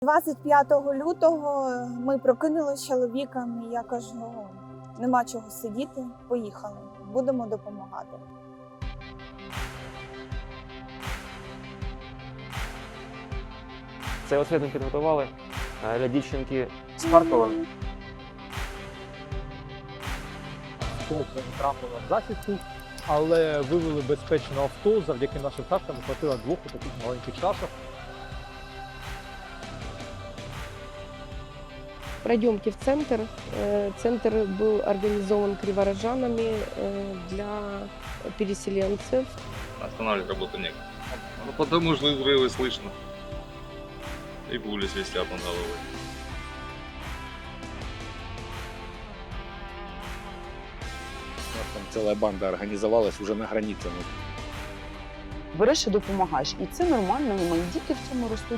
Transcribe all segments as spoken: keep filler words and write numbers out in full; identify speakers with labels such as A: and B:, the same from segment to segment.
A: двадцять п'ятого лютого ми прокинулися з чоловіком, і я кажу, нема чого сидіти, поїхали, будемо допомагати.
B: Цей освіт ми підготували для дівчинки з Харкова.
C: Толком трапила в засідку, але вивели безпечно авто. Завдяки нашим тактам хватило двох таких маленьких шашок.
D: Пройдемте в центр. Центр был организован криворожанами для переселенцев.
E: Останавливать работу некуда. Ну, потому что взрывы слышно. И пули свистят над головой.
F: У нас там ціла банда організувалась вже на границі.
G: Береш і допомагаєш. І це нормально, і мої діти в цьому ростуть.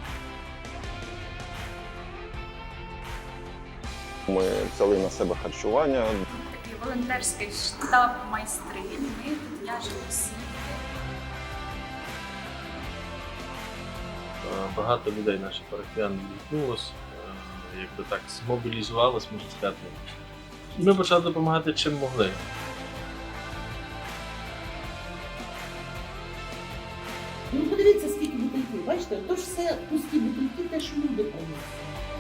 H: Ми взяли на себе харчування.
I: Такий волонтерський штаб майстрів. Ми тут в'яжемо сітки.
J: Багато людей наших парафіян відгукнулося, якби так змобілізувалось, можна сказати. І ми почали допомагати чим могли.
K: Ну подивіться, скільки бутильків, бачите, то ж все пусті бутильки, те, що люди приносять.